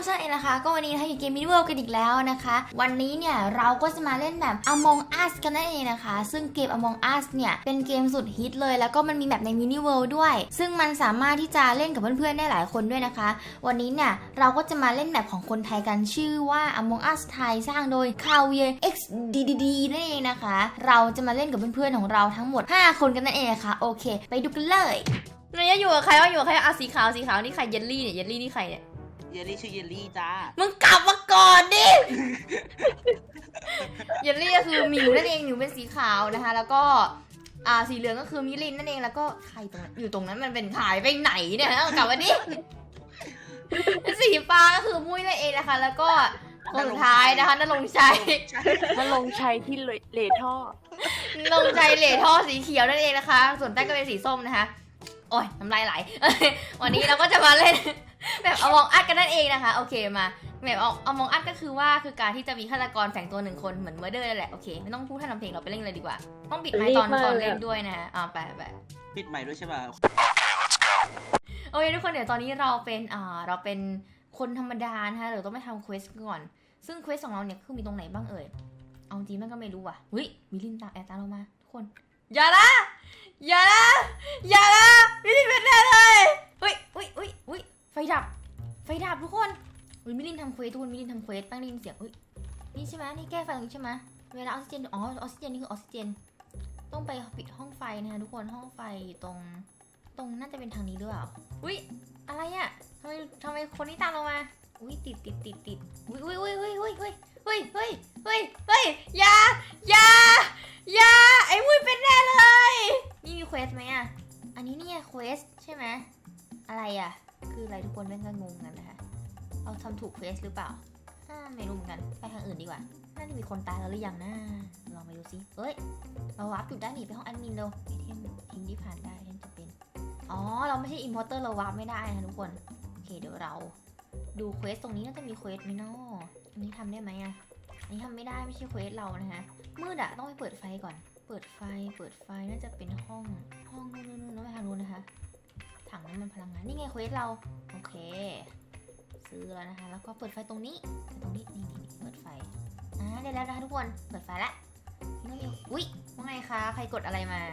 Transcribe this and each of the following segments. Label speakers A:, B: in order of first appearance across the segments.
A: ใช่นะคะก็วันนี้นะคะอยู่เกมมินิเวิลด์กันอีกแล้วนะคะวันนี้เนี่ยเราก็จะมาเล่นแบบ Among Us กันนั่นเองนะคะซึ่งเกม Among Us เนี่ยเป็นเกมสุดฮิตเลยแล้วก็มันมีแบบในมินิเวิลด์ด้วยซึ่งมันสามารถที่จะเล่นกับเพื่อนๆได้หลายคนด้วยนะคะวันนี้เนี่ยเราก็จะมาเล่นแบบของคนไทยกันชื่อว่า Among Us ไทยสร้างโดย Kavier XDDD นั่นเองนะคะเราจะมาเล่นกับเพื่อนๆของเราทั้งหมด5คนกันนั่นเองนะคะโอเคไปดูกันเลยเนี่ยอยู่กับใครวะอยู่กับใครอ่ะสีขาวนี่ใครเยลลี่เนี่ยเยลลี่นี่ใครเนี่ย
B: เยลลี่ชื่อเยลลี่จ้า
A: มึงกลับมาก่อนดิ เยลลี่ก็คือหมิวนั่นเองหมิวเป็นสีขาวนะคะแล้วก็สีเหลืองก็คือมิลินนั่นเองแล้วก็ใครตรงนั้นอยู่ตรงนั้นมันเป็นขายไปไหนเนี่ยกลับมาดิ สีฟ้าก็คือมุ้ยนั่นเองนะคะแล้วก็คนสุดท้ายนะคะนรงชัย
C: ที่เหล่ท่อน
A: รงชัยเหล่ท่อสีเขียวนั่นเองนะคะส่วนแป้งก็เป็นสีส้มนะคะโอ้ยน้ำลายไหล วันนี้เราก็จะมาเล่นแบบAmong Usกันนั่นเองนะคะโอเคมาแบบAmong Usก็คือว่าคือการที่จะมีฆาตกรแฝงตัวหนึ่งคนเหมือนเมอร์เดอร์นั่นแหละโอเคไม่ต้องพูดท่านทำเพลงเราไปเล่นเลยดีกว่าต้องปิดไมค์ตอนเล่นด้วยนะไป
B: ปิดใหม่ด้วยใช่ป่ะ
A: โอเคทุกคนเดี๋ยวตอนนี้เราเป็นคนธรรมดานะคะเดี๋ยวต้องไปทำเควสก่อนซึ่งเควสของเราเนี่ยคือมีตรงไหนบ้างเอ่ยเอาจริงมันก็ไม่รู้ว่ะเฮ้ยมีลินตามเรามาทุกคนอย่านะมิลินเป็นแน่เลยเฮ้ยไฟดับทุกคนมิลินทำเควสทุกคนมิลินทำเควสตั้งได้ยินเสียงนี่ใช่ไหมนี่แก้ไฟตรงนี้ใช่ไหมเวลาออกซิเจนออกซิเจนนี่คือออกซิเจนต้องไปปิดห้องไฟนะคะทุกคนห้องไฟตรงน่าจะเป็นทางนี้หรือเปล่าอะไรอ่ะทำไมคนนี้ตามเรามาติดอย่าไอ้มุ้ยเป็นแน่เลยนี่มีเควสไหมอ่ะอันนี้เนี่ยเควสใช่ไหมอะไรอ่ะคืออะไรทุกคนแม่งก็งงกันนะคะเราทำถูกเควสหรือเปล่าไม่รู้เหมือนกันไปทางอื่นดีกว่าน่าจะมีคนตายแล้วหรือยังนะลองไปดูซิเราวาร์ปจุดได้หนีไปห้องแอดมินเร็วไอเทมทิ้งที่ผ่านได้เทมจะเป็นเราไม่ใช่อิมพอร์เตอร์เราวาร์ปไม่ได้นะทุกคนโอเคเดี๋ยวเราดูเควสตรงนี้น่าจะมีเควสไหมเนาะอันนี้ทำได้ไหมอ่ะอันนี้ทำไม่ได้ไม่ใช่เควสเรานะคะมืดอะต้องไปเปิดไฟก่อนเปิดไฟน่าจะเป็นห้องนู่นไปทางนู้นนะคะถังน้ำมันพลังงานนี่ไงเควสเราโอเคซื้อแล้วนะคะแล้วก็เปิดไฟตรงนี้นี่เปิดไฟได้แล้วนะคะทุกคนเปิดไฟแล้วนี่ว่าไงคะใครกดอะไรมาก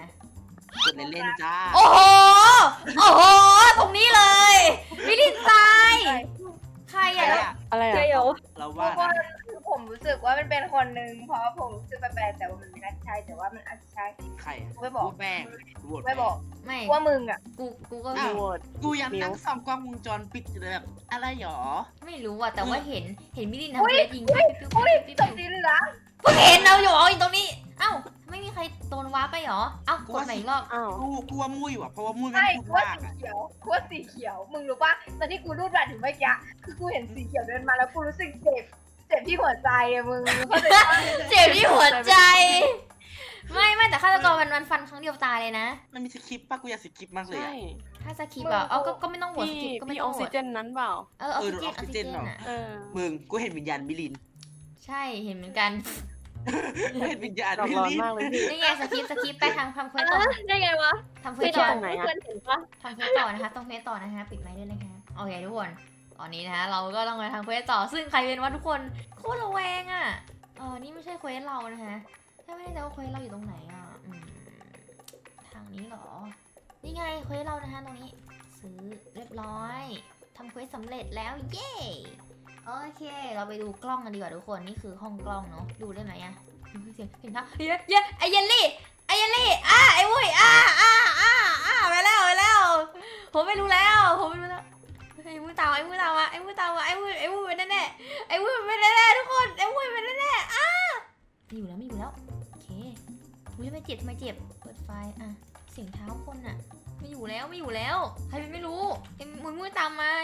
B: ดเล่นๆจ้า
A: โอ้โหตรงนี้เลยมิลินตายใครอะ
C: อะไรอะ
B: เราว่า
D: คือผมรู้สึกว่ามันเป็นคนหนึ่งเพราะผมรู้สึกแปลกๆแต่ว่ามันไม่น่าใช่แต่ว่ามันอาจจะใช่
B: ใคร
D: ไม่บอก
B: แป้ง
D: ไม่บอก
A: ไม่
D: ว่ามึงอ่ะ
A: กูก็
C: โหวต
B: กูยังนั่งส่องกล้องวงจรปิดอยู่เลยแบบอะไรหรอ
A: ไม่รู้อะแต่ว่าเห็นมิลินทำเควสยิง
D: ตบตีเลยนะ
A: เพิ่งเห็นเราอยู่ตรงนี้เอ้าไม่มีใครโดนว้าไปหรอเอ้ากดไหนรอบ
B: กูว่ามุ้ยว่ะเพราะว่ามุ้ยมันพูดมากอะ
D: กูว่าสีเขียวมึงรู้ป่ะตอนที่กูรูดบัตรถึงเมื่อกี้คือกูเห็นสีเขียวเดินมาแล้วกูรู้สึกเจ็บที่หัวใจอะมึง
A: เจ็บที่หัวใจไม่แต่ฆาตกรมันฟันครั้งเดียวตายเลยนะ
B: มันมีสคริปต์ป่ะกูอยากสคริปต์มากเลยอะ
A: ถ้าสคริปต์อะก็ไม่ต้องโหวตสคริปต์ก็ไม่ต้อง
C: ออกซิเจนนั้นเปล่า
A: ออกซิเจนอะ
B: มึงกูเห็นวิญญาณมิลิน
A: ใช่เห็นเหมือนกัน
B: เห็นวิญญาณมิลิน
A: นี่ไงสคริปต์ไปทำเควสต่อ
D: ได้ไงวะ
A: ทำเควสต่อ
C: ตรงไหนอะ
A: ทำเควสต่อนะคะต้องเควสต่อนะคะปิดไมค์ด้วยนะคะโอเคทุกคนตอนนี้นะคะเราก็ต้องไปทำเควสต่อซึ่งใครเป็นว่าทุกคนโคตรระแวงอ่ะนี่ไม่ใช่เควสเรานะคะถ้าไม่ได้จะว่าเควสเราอยู่ตรงไหนอ่ะทางนี้เหรอนี่ไงเควสเรานะคะตรงนี้ซื้อเรียบร้อยทำเควสสำเร็จแล้วเย้โอเคเราไปดูกล้องกันดีกว่าทุกคนนี่คือห้องกล้องเนาะดูได้ไหมอ่ะเสียงเห็นปะไอเยลลี่ไอวุ้ยไปแล้วผมไม่รู้แล้วไอ้มือตามมาเป็นแน่ไอ้มือเป็นแน่ทุกคนไอ้มือเป็นแน่ไม่อยู่แล้วโอเคทำไมเจ็บเปิดไฟเสียงเท้าคนอ่ะไม่อยู่แล้วใครเป็นไม่รู้ไอ้มือตามมา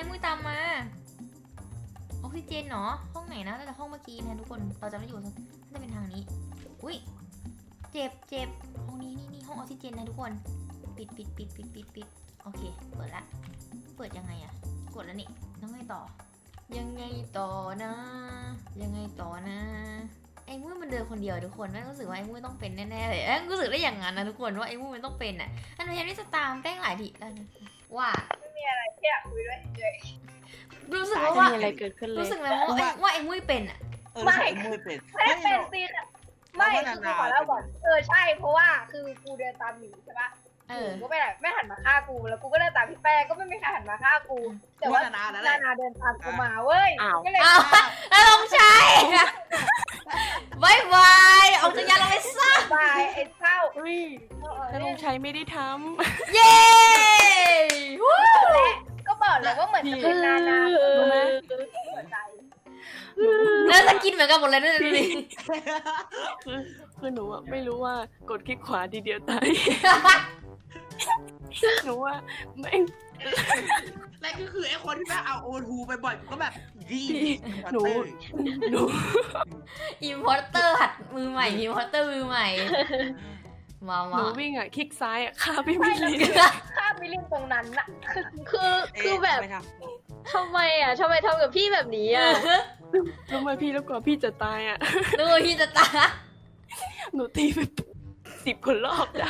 A: ออกซิเจนเนาะห้องไหนนะแต่ห้องเมื่อกี้นะทุกคนเราจะไม่อยู่น่าจะเป็นทางนี้เจ็บห้องนี้นี่ห้องออกซิเจนนะทุกคนปิดโอเคเปิดละเปิดยังไงอะกดแล้วนี่ต้องไงต่อนะไอ้มุ้ยมันเดินคนเดียวทุกคนแม่รู้สึกว่าไอ้มุ้ยต้องเป็นแน่ๆเลยรู้สึกได้อย่างนั้นนะทุกคนว่าไอ้มุ้ยมันต้องเป็นอ่ะอันนี้จะตามแป้งหลายทีแล้วว่า
D: ไม่มีอะไรแค่คุยด้วยเฉย
A: รู้สึก
C: ไม่
A: ว่า
C: มีอะไรเกิดขึ้นเลย
A: รู้สึกเลยว่าไอ้มุ้ยเป็นอ่ะ
B: ไม่มุ้ยเป็น
D: ไม่ได้เป็น
B: หรอก
D: ซีค่ะไม่คือกูขอเล่าก่อนใช่เพราะว่าคือกูเดินตามหมีใช่ปะ
A: เออ
D: กูก็ไม่หันมาฆ่ากูแล้วกูก็เดินตามพี่แป้งก็ไม่มีใครหันมาฆ่ากู แต่ว่า
B: นาแล้วแหละ
D: นาเดินตามกูมาเว้ย
C: อ้าว
D: ก็เลย
A: อ้าวแล้วลงชัยบายบายออกจากยานเราไปซะ
D: บายไอ้เศร้า
C: เฮ้ยนรงชัยไม่ได้ท
A: เย้วู้
D: ก็บอกเลยว่าเหมือนจะเป็นนา
C: รู้ไหม
D: หัวใจ
A: แล้วจะกินเหมือนกันหมดเลยด้วยดูดิ
C: คือหนูอะไม่รู้ว่ากดคลิกขวาทีเดียวตาย หนูว่าไม่
B: และก็คือไอ้คนที่แบบเอาโอทูไปบ่อยก็แบบยี
C: หนู
A: อิมพอร์เตอร์หัดมือใหม่อิมพอร์เตอร์มือใหม่มา
C: ห
A: มา
C: นูวิ่งอะคลิกซ้ายอะฆ่าพี่มิลลิน
D: ข้ามมิลินตรงนั้นน่ะ
E: คือแบบทำไมทำไมทำกับพี่แบบนี้อ่ะ
C: รู้ไหมพี่แล้วกว่าพี่จะตายอะ
A: ดูที่จะตา
C: หนูตีไป10 คนรอบได้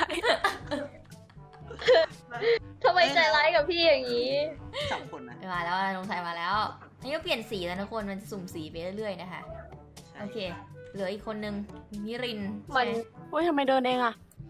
E: ทำไมใจร้ายกับพี่อย่างนี้
B: 2 คนนะ
A: มาแล้วลงชัยมาแล้วนี่ก็เปลี่ยนสีแล้วทุกคนมันจะสุ่มสีไปเรื่อยๆนะคะโอเคเหลืออีกคนนึงมิริน
E: มัน
C: โอ้ยทำไมเดินเองอะ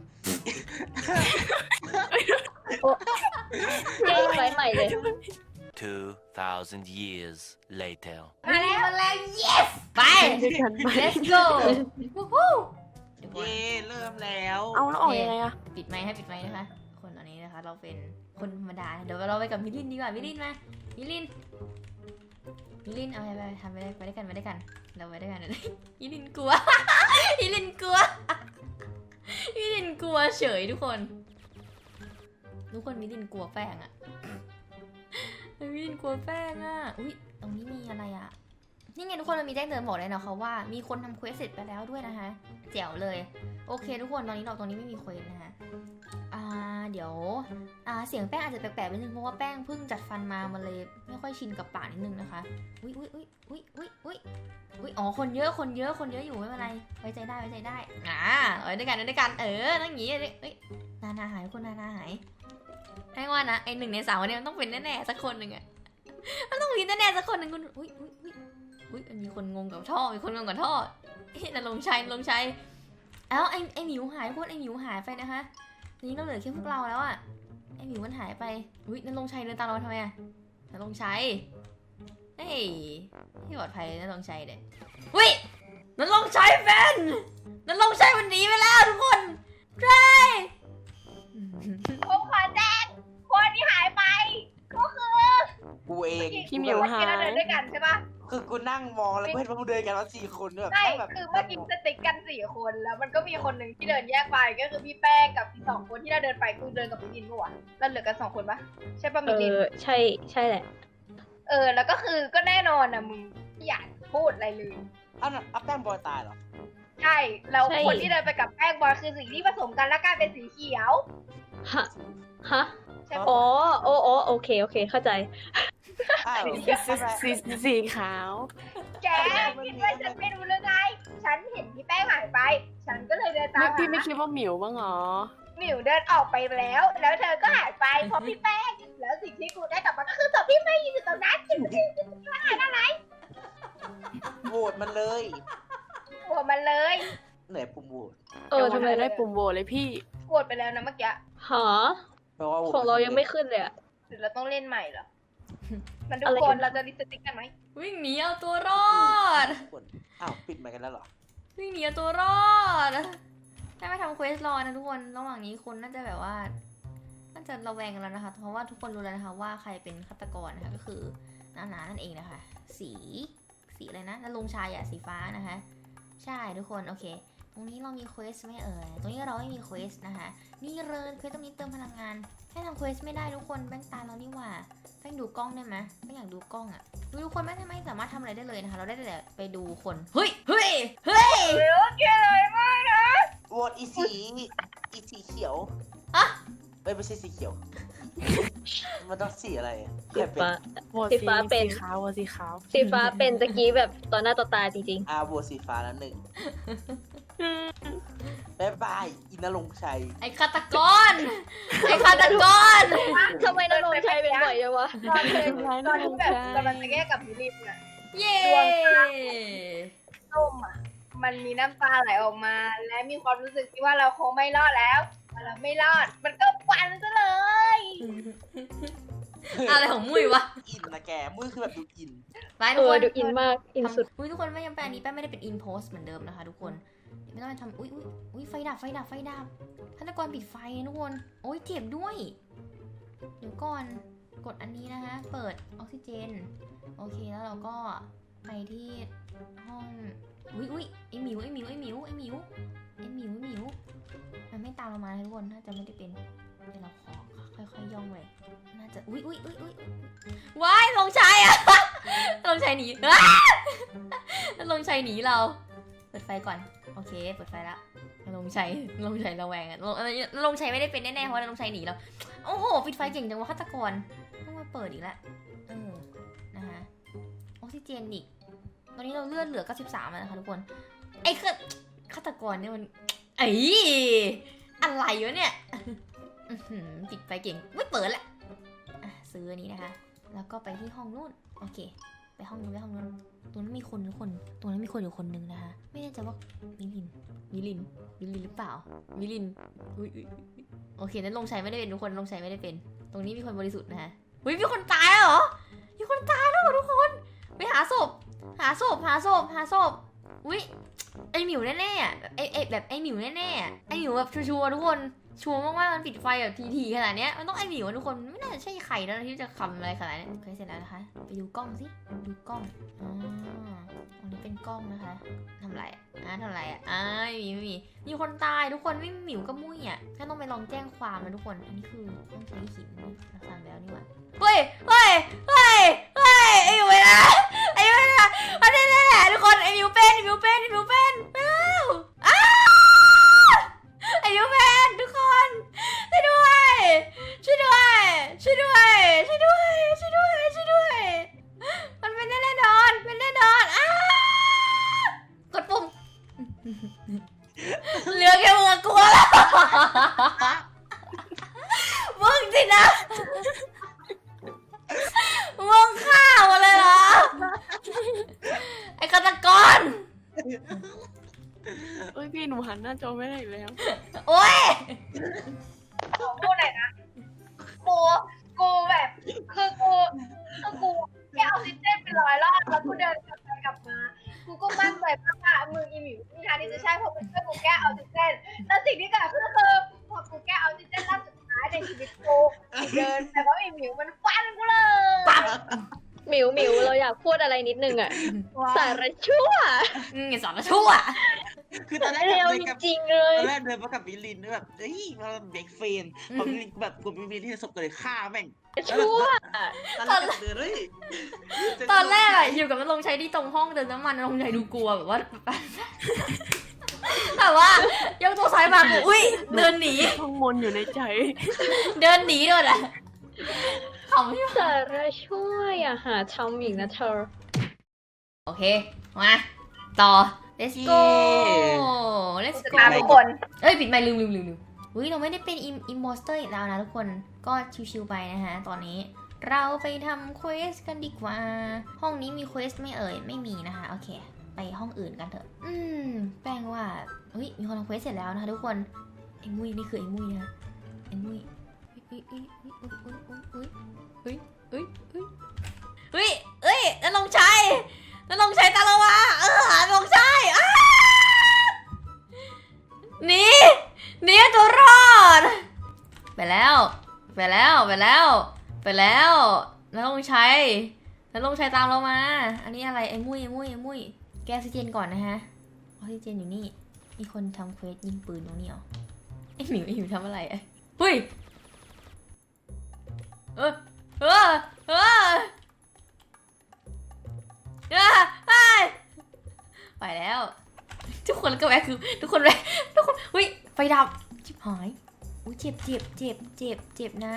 E: เจ๊ไว้ใหม่เลย
F: 2,000 years later.
A: มาแล้ว yes ไป
C: ด้วยกันไป
A: let's go วู้ฮู้
B: เย่เริ่มแล้ว
C: เอาแล้วออกยังไงอะ
A: ปิดไมค์ให้ปิดไมค์นะคะ คนตอนนี้นะคะ เราเป็นคนธรรมดา เดี๋ยวเราไปกับมิลินดีกว่า มิลินมา มิลินเอาไปทำไปด้วยกันเราไปด้วยกัน มิลินกลัว มิลินกลัว มิลินกลัวเฉยทุกคน มิลินกลัวแป้งอะมิลินกลัวแป้งอะอุ้ยตรงนี้มีอะไรอะนี่ไงทุกคนมันมีแจ้งเตือนบอกเลยนะคะว่ามีคนทำเควสเสร็จไปแล้วด้วยนะคะแจ๋วเลย โอเคทุกคนตอนนี้เราตรงนี้ไม่มีเควสนะคะเดี๋ยวเสียงแป้งอาจจะแปลกๆนิดนึงเพราะว่าแป้งเพิ่งจัดฟันมามันเลยไม่ค่อยชินกับปากนิดนึงนะคะอุ้ยอ๋อคนเยอะอยู่ไม่เป็นไรไว้ใจได้ไว้ด้วยกันนั่งอย่างงี้เอ้ยนาหายคนนาหายให้ว่านะไอ1 ใน 3คนนี้มันต้องเป็นแน่ๆสักคนหนึ่งอะมันต้องมีแน่ๆสักคนหนึ่งคุณอุ้ยมีคนงงกับท่อนั่นลงชัยเอ้าไอหมิวหายไอหมิวหายไปนะคะทีนี้เราเหลือแค่พวกเราแล้วอะไอหมิวมันหายไปอุ้ยนั่นลงชัยเดินตามเราทำไมอะนั่นลงชัยเฮ้ยที่ปลอดภัยนั่นลงชัยเด็ดอุ้ยนั่นลงชัยเป็นนั่นลงชัยมันหนีไปแล้วทุกคนใช่
D: ผมขอแจ้งคนที่หายไปก็คือ
B: กูเอง
C: พี่เหมียวหาย
D: เราเดินด้วยกันใช่ปะ
B: คือกูนั่งมองแล้วกูเห็นว่ามึงเดินกันแล้ว4 คนแบบ
D: ใช่
B: แบบ
D: คือเมื่อกี้สติ๊กกัน4 คนแล้วมันก็มีคนหนึ่งที่เดินแยกไปก็คือพี่แป้งกับอีก2 คนที่เราเดินไปกูเดินกับมิลินปะวะเราเหลือกัน2 คนปะใช่ปะมิลิน
E: ใช่แหละ
D: แล้วก็คือก็แน่นอนนะมึงไม่อยากพูดอะไรเลย
B: เอาแป้งบอยตายเหรอ
D: ใช่แล้ว
E: ใช่
D: คนที่เดินไปกับแป้งบอยคือสิ่งที่ผสมกันแล้วกลายเป็นสีเขียว
E: ฮะ
D: ใช่ปะ
E: อ๋อโอเคเข้าใจ
B: อ้าว
C: สีขาว
D: แกคิดว่าฉันไม่รู้เรื่องไงฉันเห็นพี่แป้งหายไป ฉันก็เลยเดินตาม
C: พี่ไม่
D: หา
C: คิดว่าหมิวบ้างเหรอ
D: หมิวเดินออกไปแล้ว แล้วเธอก็หายไปเพราะพี่แป้งแล้วสิ่งที่กูได้กลับมาก็คือศพพี่แป้งยืนอยู่ตรงนั้นจริง
B: โหวตมันเลย
D: ๆโหวตมันเลย
B: เหนื่อยปุ่มโหวต
E: ทำไม
C: ได้ปุ่มโหวตเลยพี่
D: โหวตไปแล้วนะเมื่อกี้
E: หา
B: แปลว่าโหวต
E: ของเรายังไม่ขึ้นเลยอะ
D: หรือเราต้องเล่นใหม่เหรอมันทุ
E: อะ
D: ก
E: ไร
D: ค
E: กัน น
D: เราจะลิสติ๊กกันไหม
A: วิ่งหนีเอาตัวรอด
B: อ้าวปิดไมค์กันแล้วเหรอ
A: วิ่งหนีเอาตัวรอดถ้าไม่ทำเควสรอนะทุกคนระหว่างนี้คนน่าจะแบบว่าน่าจะระแวงกันแล้วนะคะเพราะว่าทุกคนรู้แล้วนะคะว่าใครเป็นฆาตกรนะคะก็คือนานั่นเองนะคะสีอะไรนะนรงชัยอะสีฟ้านะคะใช่ทุกคนโอเคตรงนี้เรามีเควสไหมตรงนี้เราไม่มีเควสนะคะนี่เลยเควสตรงนี้เติมพลังงานแค่ทำเควสไม่ได้ทุกคนแป้งตาเรานี่หว่าแป้งดูกล้องได้ไหมแป้งอยากดูกล้องอะดูทุกคนไม่สามารถทำอะไรได้เลยนะคะเราได้แต่ไปดูคนเฮ้ย
D: โอเคเลยมากนะ
B: โหวตอีสีเขียว
A: อะ
B: ไม่ใช่สีเขียว มันต้องสีอะไรใคร
E: สี
B: เป็น
E: ฟ้า
C: โหวต
E: สีฟ้าเป็น
C: สีขาวโหวตสีขาว
E: สีฟ้าเป็นตะกี้แบบต่อหน้าต่อตาจริง
B: โหวตสีฟ้าแล้ว1 บ๊ายบายอินรงค์ชัย
A: ไอ้ฆาตกร ไอ้ฆาตกร
E: ทำไมนรงค์ชัยเป็นบ่อยจังวะ
D: ตอนที่แบบกำลังจะแยกกับมิลินอะ
A: เย้
D: ส้มอะมันมีน้ำตาไหลออกมา และมีความรู้สึกที่ว่าเราคงไม่รอดแล้วเราไม่รอด มันก็ฟันซะเลย
A: อะไรของมุ้ยวะ
B: อินนะแกมุ้ยคือแบบดูอิน
A: ไปทุกคน
E: ดูอินมาก อินสุด
A: อุ้ยทุกคนไม่ยังแปลอันนี้แป้งไม่ได้เป็นอินโพสเหมือนเดิมนะคะทุกคนเดี๋ยวไม่ต้องไปทำอุ้ยไฟดับฆาตกรปิดไฟนะทุกคนโอ้ยเจ็บด้วย เดี๋ยวก่อนกดอันนี้นะคะ เปิดออกซิเจนโอเคแล้วเราก็ไปที่ห้องอุ้ยไอหมิวมันไม่ตามเรามาทุกคนน่าจะไม่ได้เป็นเดี๋ยวเราขอค่อยๆย่องไปน่าจะอุ้ยว้ายลงชัยอะ ลงชัยหนี ลงชัยหนีเราเปิดไฟก่อนโอเคเปิดไฟแล้วลงชัยระแวงอะลงชัยไม่ได้เป็นแน่ๆเพราะว่าลงชัยหนีเราโอ้โหปิดไฟเก่งจังวะฆาตกรต้องมาเปิดอีกแล้วนะคะออกซิเจนอีกตอนนี้เราเลือดเหลือ93แล้วนะคะทุกคนไอ้ฆาตกรเนี่ยมันอะไรวะเนี่ยปิดไฟเก่งไม่เปิดแหละซื้ออันนี้นะคะแล้วก็ไปที่ห้องนู่นโอเคไปห้องนู้นตรงนั้นมีคนทุกคนตรงนั้นมีคนอยู่คนนึงนะคะไม่แน่ใจว่ามิลินหรือเปล่ามิลินอุ้ยโอเคนั้นลงชัยไม่ได้เป็นทุกคนลงชัยไม่ได้เป็นตรงนี้มีคนบริสุทธิ์นะคะอุ้ยมีคนตายแล้วเหรอมีคนตายแล้วเหรอทุกคนไปหาศพอุ้ยไอหมิวแน่ๆอ่ะไอหมิวแน่ๆไอหมิวแบบชัวร์ทุกคนชัวร์มากๆมันปิดไฟแบบทีขนาดเนี้ยมันต้องไอหมิวทุกคนไม่น่าจะใช่ใครแล้วที่จะคำอะไรขนาดนี้โอเคเสร็จแล้วนะคะไปดูกล้องสิดูกล้องอันนี้เป็นกล้องนะคะทำอะไรมีคนตายทุกคนไม่มีหมิวก็มุ้ยอ่ะก็ต้องไปลองแจ้งความนะทุกคนอันนี้คือต้องใช้หินเราสั่งแล้วนี่หว่าเฮ้ยไอหมิวนะอันนี้แหละทุกคนไอหมิวเป็นไปแล้วไอหมิวเป็นทุกคนช่วยด้วยมันเป็นแน่นอนกดปุ่มเหลือแค่มึงกลัวแล้วมึงสินะมึงฆ่าหมดเลยเหรอไอ้ฆาตกร
C: เอ้ยพี่หนูหันหน้าจอไม่ได้อีกแล้ว
A: โอ๊ย
D: พูดหน่อยนะกูแบบคือกูแกเอาออกซิเจนไป100 รอบแล้วกูเดินกลับมากูก็มั่นใจว่ามึงอีหมิวมีทางที่จะใช่เพราะมึงช่วยกูแก้ออกซิเจนแต่สิ่งที่เกิดขึ้นคือพอกูแก้ออกซิเจนรอบสุดท้ายในชีวิตกูเดินแต่ว่าอีหมิวมันฟันกูเลย
E: หมิวเราอยากพูดอะไรนิดนึงอ่ะ สารชั่ว
A: สอนชั่ว
B: คือตอนแรก
E: เร็ว
B: เดิน
E: จ
B: กับ
E: ริงๆเลย
B: ตอนแรกเดินมากับมิลินแบบเฮ้ยมาเบรกเฟนพอมิลินแบบกดมิลินที่ศพเลยฆ่าแม่ง
E: ชั่ว
B: ตอนแรกเดินเฮ้ย
A: ตอนแรกอะอยู่กับมันลงใช้ที่ตรงห้องเดินน้ำมันลงใช้ดูกลัวแบบว่า แต่ว่ายกตัวซ้ายมาอุ้ยเดินหนี
C: ท่องมนต์อยู่ในใจ
A: เดินหนีด้วยอะขำใช่ไหม
E: สารชั่วอย่าหาทำอีกนะเธอ
A: โอเคมาต่อ let's go let's
D: จะ
A: go
D: ตามทุกคน
A: เอ้ยปิดไมค์ลืมอุ้ยเราไม่ได้เป็นอิมโมสเตอร์อีกแล้วนะทุกคนก็ชิวๆไปนะคะตอนนี้เราไปทำเควสกันดีกว่าห้องนี้มีเควสไม่เอ่ยไม่มีนะคะโอเคไปห้องอื่นกันเถอะแป้งว่าเฮ้ยมีคนทำเควสเสร็จแล้วนะคะทุกคนไอ้มุ้ยนี่คือไอ้มุ้ยนะไอ้มุ้ยแล้วลงชัยตามเรามาลงชัยหนีตัวรอดไปแล้วแล้วลงชัยตามเรามาอันนี้อะไรไอ้มุ้ยแกออกซิเจนก่อนนะฮะออกซิเจนอยู่นี่มีคนทำเควสยิงปืนตรงนี้เหรอไอ้หมิวทำอะไรเฮ้ยไปแล้วทุกคนก็แวะคือทุกคนเฮ้ยไฟดับชิบหายอุ้ยเจ็บนะ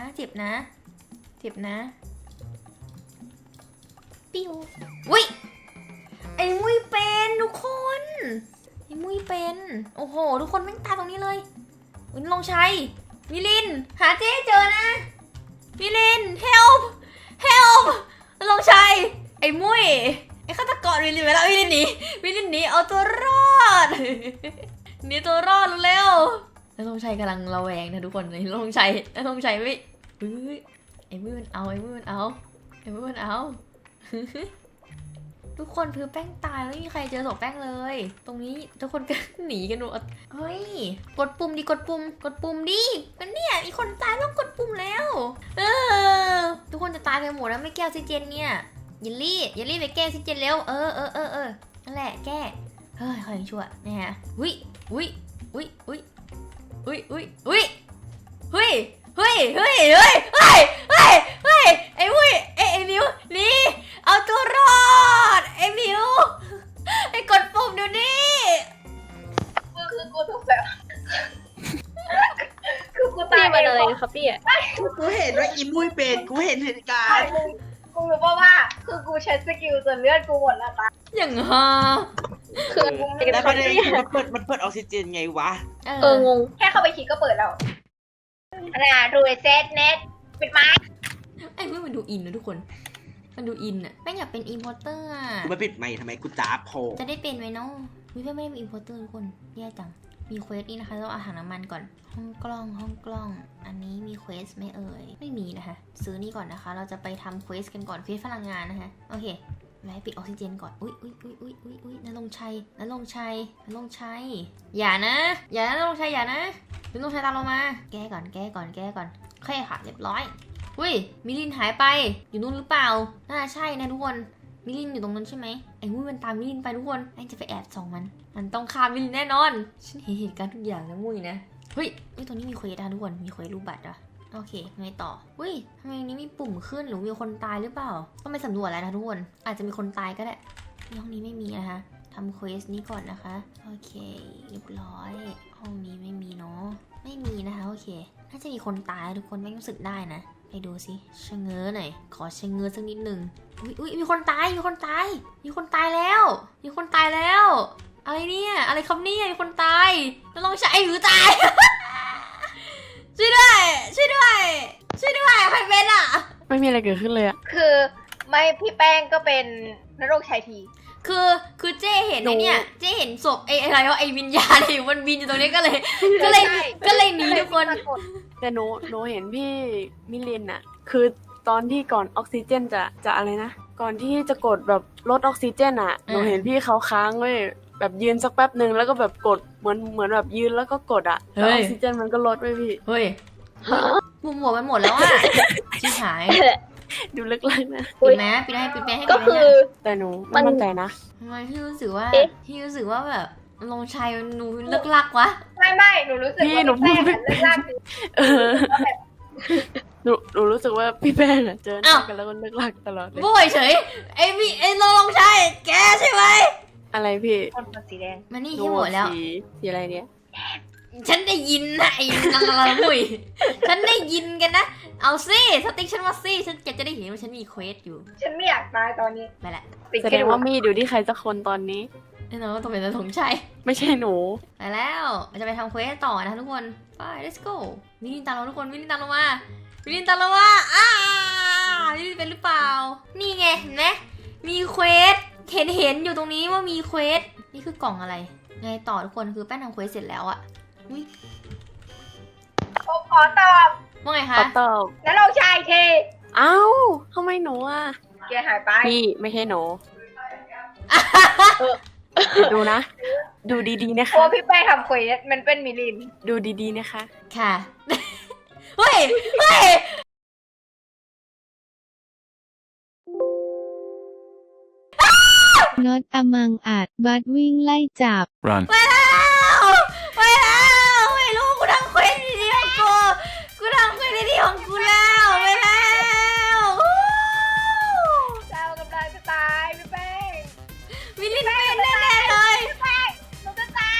A: ปิ้วอุ้ยไอ้มุ้ยเป็นทุกคนไอ้มุ้ยเป็น โอ้โห ทุกคนแม่งตายตรงนี้เลยวินลงชัยมิลิน หาเจ๊เจอนะ มิลิน help ลงชัย ไอ้มุ้ย ไอ้ฆาตกรมิลินไปแล้วมิลินหนีเอาตัวรอด หนีตัวรอดเร็วแล้วลงชัยกำลังระแวงนะทุกคนลงชัยไม่เฮ้ยไอ้มุ้ยมันเอา ทุกคนคือแป้งตายแล้วไม่มีใครเจอศพแป้งเลย ตรงนี้ทุกคนก็ หนีกันหมดเฮ้ยกดปุ่มดิกดปุ่มดิกันเนี่ยมีคนตายต้องกดปุ่มแล้วทุกคนจะตายกันหมดแล้วไม่แก้ออกซิเจนเนี่ยยิลลี่ไปแก้ออกซิเจนเร็วนั่นแหละแก้เฮ้ยเขายังชั่วนะฮะอุ้ยไอ้วุ้ยไอ้มิวนี่เอาตัวรอดไอ้มิวไอ้กดปุ่มเดี๋ยวนี้
D: คือกูถูกแบบคือกูตา
E: พี่
D: ย
E: มันอะไรครับพี่อะ
B: กูเห็นว่าอีมุ้ยเป็นกูเห็นเหตุการณ์
D: กูรู้ป่าว่าคือกูใช้สกิลจนเลือดกูหมดแล้วตา
A: อย่างฮะ
E: คือ
B: แล้วประเด็นคือมันเปิดออกซิเจนไงวะ
E: งง
D: แค่เข้าไปคลิกก็เปิดแล้วดูเซตเน็ตปิดไม้
A: ไอ้เพื่อนมันดูอินนะทุกคนมันดูอินอะแม่งอยากเป็นอินพอร์เตอร์อะ
B: กูไม่ปิดไมค์ทำไมกูจ้าโผล่
A: จะได้เป็นไหมเนาะวิเพื่อนไม่ได้เป็นอินพอร์เตอร์ทุกคนแย่จังมีเควสนี่นะคะต้องเอาถังน้ำมันก่อนห้องกล้องอันนี้มีเควสไหมเอ่ยไม่มีนะคะซื้อนี่ก่อนนะคะเราจะไปทำเควสกันก่อนเควสพลังงานนะคะโอเคไว้ปิดออกซิเจนก่อนอุ้ยนรงชัยอย่านะนรงชัยอย่านะนรงชัยตามเรามาแก้ก่อนโอเคค่ะเรียบร้อยอุ้ยมิลินหายไปอยู่นู่นหรือเปล่าน่าใช่นะทุกคนมิลินอยู่ตรงนั้นใช่ไหมไอ้มุ้ยมันตามมิลินไปทุกคนไอ้จะไปแอบส่องมันต้องฆ่ามิลินแน่นอนฉันเห็นเหตุการณ์ทุกอย่างนะมุ้ยนะเฮ้ยตรงนี้มีเควสนะทุกคนมีเควสรูปบัตรอะโอเคไงต่ออุ้ยทำไมนี้มีปุ่มขึ้นหรือมีคนตายหรือเปล่าต้องไปสำรวจแล้วนะทุกคนอาจจะมีคนตายก็ได้ห้องนี้ไม่มีนะคะทำเควสนี้ก่อนนะคะโอเคเรียบร้อยห้องนี้ไม่มีเนาะไม่มีนะคะโอเคน่าจะมีคนตายทุกคนไม่รู้สึกได้นะไปดูสิชะเง้อหน่อยขอชะเง้อสักนิดหนึ่งอุ้ยมีคนตายแล้วอะไรเนี่ยอะไรครับเนี่ยมีคนตายจะลองใช้หรือตาย ช่วยด้วยใครเป็นอ่ะ
C: ไม่มีอะไรเกิดขึ้นเลยอะ
D: คือไม่พี่แป้งก็เป็นนรกชัยที
A: คือเจ้เห็นไอเนี่ยเจ้เห็นศพไออะไรวะไอวิญญาณอยู่มันบินอยู่ตรงนี้ก็เลยหนีทุกคน
C: แต่หนูเห็นพี่มิลินอะคือตอนที่ก่อนออกซิเจนจะอะไรนะก่อนที่จะกดแบบลดออกซิเจนอะหนูเห็นพี่เขาค้างเว้ยแบบยืนสักแป๊บหนึ่งแล้วก็แบบกดเหมือนแบบยืนแล้วก็กดอะแล้วออกซิเจนมันก็ลดไปพี่
A: เฮ้ยมุมหัวมันหมดแล้วอ่ะชิบหาย
C: ดูลึกลักนะ
A: ปิดไหมปิดให้
E: ก็คือ
C: แต่หนูไม่มั่นใจนะ
A: ทำไมพี่รู้สึกว่า
E: เอ๊ะ
A: แบบลงชัยมันดูเลิกลักวะ
D: ไม่หนูรู้สึกว่าพี่แป้งเลือกลากคือ
C: เออหนูรู้สึกว่าพี่แป้งอะเจอหน้ากันแล้วก็ลึกลักตลอดเลย
A: โวยเฉยไอลงชัยแกใช่ไหม
C: อะไรพี่
D: คนสีแดง
A: มานี่
C: หนู
A: ที่หมดแล้ว
C: สีอะไรเนี่ย
A: ฉันได้ยินนะไอ้นังละมุยฉันได้ยินกันนะ เอาสิสติ๊กฉันมาสิฉันจะได้เห็นว่าฉันมีเควสอยู่
D: ฉันไม่อยากตายตอนนี้
A: ไปละ
D: ติด
C: แสด
D: แค่
C: ง
D: ดู
C: ว่ามีดอยู่ที่ใครสักคนตอนนี้
A: แน่นอนว่าต้องเป็นธงชัย
C: ไม่ใช่หนู
A: ไปแล้วเราจะไปทำเควสต่อนะทุกคนไป let's go มิลินตามเราทุกคนมิลินตามเรามามิลินเป็นหรือเปล่านี่ไงเห็นไหมมีเควสเห็นอยู่ตรงนี้ว่ามีเควสนี่คือกล่องอะไรไงต่อทุกคนคือแป้งทำเควสเสร็จแล้วอะอุ๊ย
D: ผมขอตอบ
A: ว่าไง
C: ข
A: คะ
C: อตอบ
D: นรกชัยที
C: เอ้าทำไมหนูอ่ะ
D: แกหายไป
C: พี่ไม่ใช่หนูดูนะ ดูดีๆนะ
D: เพ
C: คะ
D: ราะพี่แป้งทำเควสมันเป็นมิลิน
C: ดูดีๆนะคะ
A: ค่ะ เฮ้ย
F: น็อตอมังอาจบัดวิ่งไล่จับ
G: Run.
A: ไปแล้วไม่รู้กูทำเควสดีๆของกูทำเควสดีๆของกูแล้วไปแล้ว
D: เรากำลังจะตายพี่แป้ง
A: มิลินเป็นแน่ๆเลย
D: พี่แป้งหนูจะตาย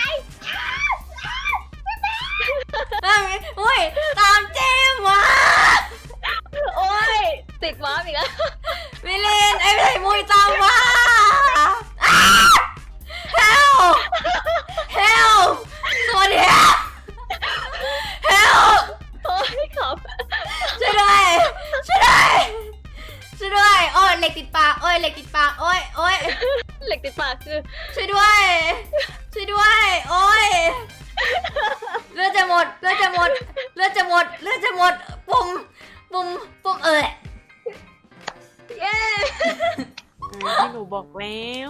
A: โอ้ยตามเจมมา
E: โอ้ยติดม้าอีกแล้ว
A: มิลินไอ้ไอ้มุยตามมาเฮล
E: เหล็กติดปากคือ
A: ช่วยด้วย ช่วยด้วย โอ้ยเลือดจะหมดเลือดจะหมดเลือดจะหมดเลือดจะหมดปุ่ม
E: เย้
C: ที่หนูบอกแล้ว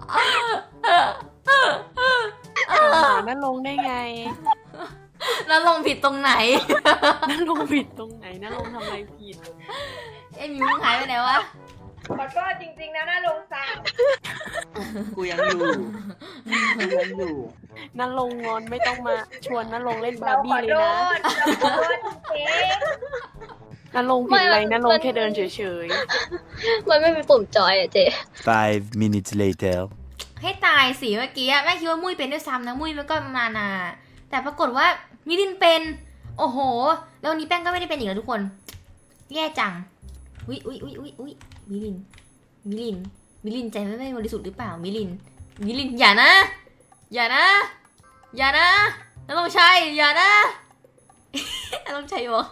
C: หานั่นลงได้ไง
A: แล้วลงผิดตรงไหน
C: นั่นลงผิดตรงไหนนั่นลงทำอะไรผิด
A: ไอ้มิวหายไปไหนวะ
D: ขอโทษจริงๆนะน่าลงซ้
B: กูยังอยู่กูยังอยู่
C: นั่นลงงอนไม่ต้องมาชวนนั่นลงเล่น
D: ำ
C: บา
D: เรา
C: ร์
D: ข
C: บี้
D: อ
C: เลย
D: โท
C: นะ
D: ษเราขอโทษจริง
C: นั่นลงผิดอะไรนั่นลงแค่เดินเฉย
E: มันไม่มีปุ่มจอยอะเจ๊
G: 5 minutes later.
A: ให้ตายสิเมื่อกี้อะแม่คิดว่ามุ้ยเป็นด้วยซ้ำนะมุ้ยมันก็มานาแต่ปรากฏว่ามิลินเป็น โอ้โห แล้ววันนี้แป้งก็ไม่ได้เป็นอีกแล้วทุกคน แย่จังอุ๊ยมิลินใจไม่บริสุทธิ์หรือเปล่ามิลินอย่านะน้าลงชัยอย่านะ น้าลงชัยบอก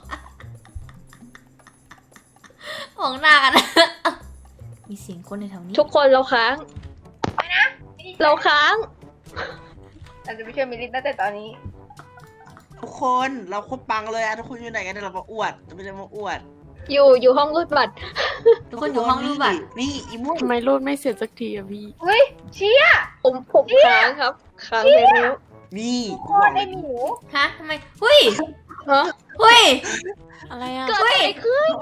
A: มองหน้ากัน มีเสียงคนในแถวนี้
E: ทุกคนเราค้าง เราค้าง
D: ๆเราจะไปช่วยมิลินตั้งแต่ตอนนี้
B: ทุกคนเราโคตรปังเลยอะทุกคนอยู่ไหนกันเดี๋ยวเรามาอวดจะไม่ได้มาอวด
E: อยู่ห้องรูดบัตร
A: ทุกคนอยู่ห้องรูปบัตร
B: นี่อีม่วง
C: ๆทำไมรูดไม่เสร็จสักทีอะพี่
D: เฮ้ยเชี่ย
E: ผมค้างครับ ค้างไปแล้ว
B: นี่
D: โคตรได้หมู
A: ฮะทำไมเฮ้ย
E: ฮะ
A: เฮ้ย
C: อะไรอะ
E: เกิดอะไรขึ้น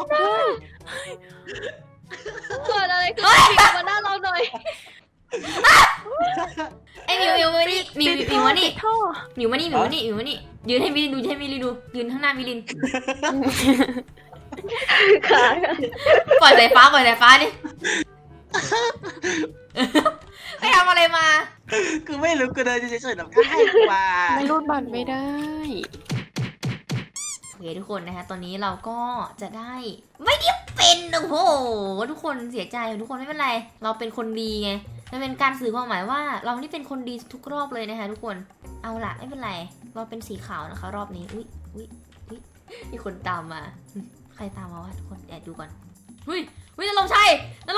E: เกิดอะไรขึ้นพี่มาหน้าเราหน่อย
A: ไอ้มิวมานี่มิวมานี่
C: ท่อ
A: มิวมานี่ยืนให้มิลินดูยืนข้างหน้ามิลิน
E: ค้าง
A: ปล่อยสายฟ้าดิ ไปทำอะไรมา
B: คือไม่รู้กูเดินเฉยๆแบบก็ให้กว่า
C: ไม่รูดบัตรไม่ได้
A: โอเคทุกคนนะคะตอนนี้เราก็จะได้ไม่ได้เป็นโอ้โหทุกคนเสียใจทุกคนไม่เป็นไร เราเป็นคนดีไงมันเป็นการสื่อความหมายว่าเรานี่เป็นคนดีทุกรอบเลยนะคะทุกคนเอาล่ะไม่เป็นไร เราเป็นสีขาวนะคะรอบนี้อุ้ยมีคนตามมาใครตามมาวะทุกคนแอบดูก่อนอุ้ยนั่นลงชัย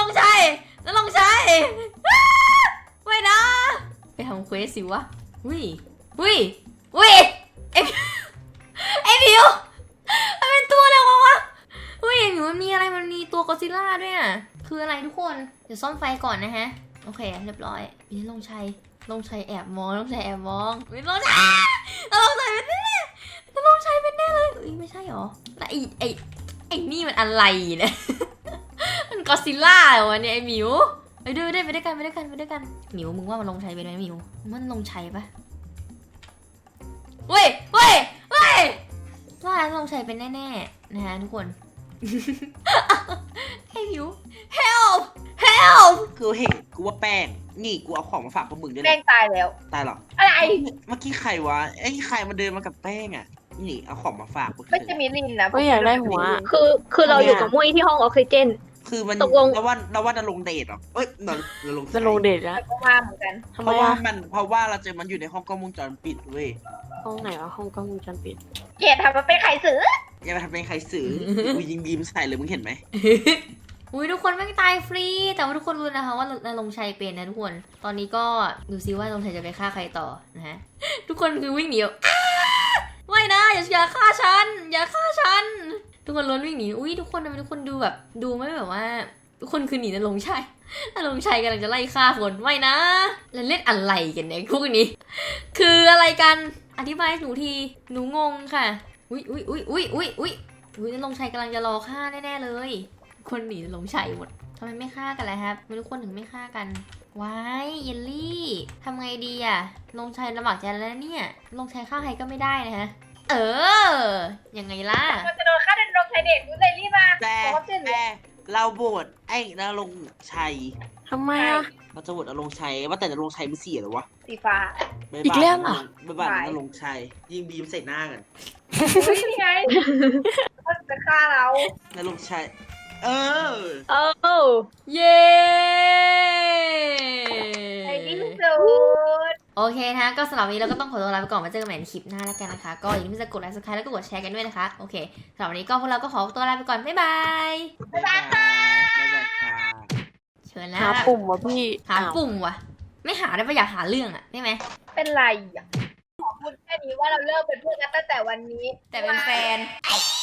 A: ไม่นะไปทำเควสสิวะอุ้ยไอ้ผิวมันเป็นตัวอะไรวะอุ้ยไอ้ผิวมันมีอะไรมันมีตัวกอซิลล่าด้วยอ่ะคืออะไรทุกคนเดี๋ยวซ่อมไฟก่อนนะฮะโอเคเรียบร้อยมีลงชัยแอบมองมีลงชัยเป็นแน่เลยอุ้ยไม่ใช่หรอแล้วไอ้นี่มันอะไรเนี่ย มันกอซิลล่าเหรอเนี่ยไอ้หมิวไปด้วยกันหมิวมึงว่ามันลงชัยเป็นไหมหมิวมันลงชัยปะเว้ยว่าลงชัยเป็นแน่ๆนะฮะทุกคน ไอ้หมิว help
B: กูเห็นกูว่าแป้งนี่กูเอาของมาฝากพวกมึงด้วย
D: แป้
B: นะ
D: งตายแล้ว
B: ตายหรอ
D: อะไร
B: เมื่อกี้ใครวะไอ้ใครมาเดินมากับแป้งอ่ะนี่เอาของมาฝากกู
D: ไม่ใช่มิลินนะ
C: ก็อยากได้หัว
E: คือเราอยู่กับมุ้ยที่ห้องออกซิเจน
B: คือมัน
E: ตกลง
B: เราว่าจะลงเดทเหรอเอ้ยเราลง
C: จะลงเดทแล้ว
D: ก็ว่าเหมือนกัน
C: ทำ
B: เพ
C: ไม
B: ราะว่า
C: อะ
B: เพราะว่าเราเจอมันอยู่ในห้องกล้องวงจรปิดเว้ย
C: ห้องไหนวะห้องกล้องวงจรปิด
D: เกลียดทำมาเป็นไข่สือ
B: อย่าไปทำเป็นใครสื่อกูยิงบีมใส่เลยมึงเห็นไหม
A: อุ้ยทุกคนไม่งตายฟรี แต่ว่าทุกคนรู้นะคะว่านรงชัยเป็นนะทุกคน ตอนนี้ก็ดูซิว่านรงชัยจะไปฆ่าใครต่อนะฮะ ทุกคนคือวิ่งหนีไม่นะอย่าฆ่าฉันทุกคนล้วนวิ่งหนีอุ้ยทุกคนทำไมทุกคนดูแบบดูไม่แบบว่า ทุกคนคือหนีนรงชัยกำลังจะไล่ฆ่าคนไม่นะแล้วเล่นอะไรกันเนี่ยพวกนี้ คืออะไรกันอธิบายให้หนูทีหนูงงค่ะอุ้ยนรงชัยกำลังจะรอฆ่าแน่ๆเลยคนหนีนรงชัยหมดทำไมไม่ฆ่ากันล่ะครับไม่ทุกคนถึงไม่ฆ่ากันว้ายเยลลี่ทำไงดีอะนรงชัยลำบากใจแล้วเนี่ยนรงชัยฆ่าใครก็ไม่ได้นะฮะยังไงล่ะ
D: มันจะโดนฆ่าเดินลงไทยเด็กกูเลยรีบมา
B: แต่
D: ขอความช่วยเหลือ
B: เราโบดไอ้นรงชัย
C: ทำไมอะ
B: เราจะโบดนรงชัยว่าแต่นรงชัยมันเสียหรอวะ
D: สีฟ้า
B: บ๊าย
C: อี
B: บาย
C: กแล้วเหรอ
B: บ๊ายบายนรงชัยยิงบีมใส่หน้ากัน
D: เฮ้ยนี่ไงเขาจะฆ่าเรา
B: นรงชัย
E: เออ
A: เย้
D: ในที่สุด
A: โอเคนะคะก็สำหรับวันนี้เราก็ต้องขอตัวลาไปก่อนมาเจอกันใหม่ในคลิปหน้าแล้วกันนะคะก็อย่าลืมจะกดไลค์ subscribe แล้วก็กดแชร์กันด้วยนะคะโอเคสำหรับวันนี้ก็พวกเราก็ขอตัวลาไปก่อนบ๊ายบาย
B: บ๊ายบายค่ะบ๊ายบายค่ะ
A: โชชิญนะ
C: หาปุ่มวะพี่
A: หา
C: อ้าว
A: ปุ่มวะไม่หาได้ปะอยากหาเรื่องอะได้ไหม
D: เป็นไรอ่ะขอพูดแค่นี้ว่าเราเลิกเป็นเพื่อนกันตั้งแต่วันนี้
A: แต่เป็นแฟน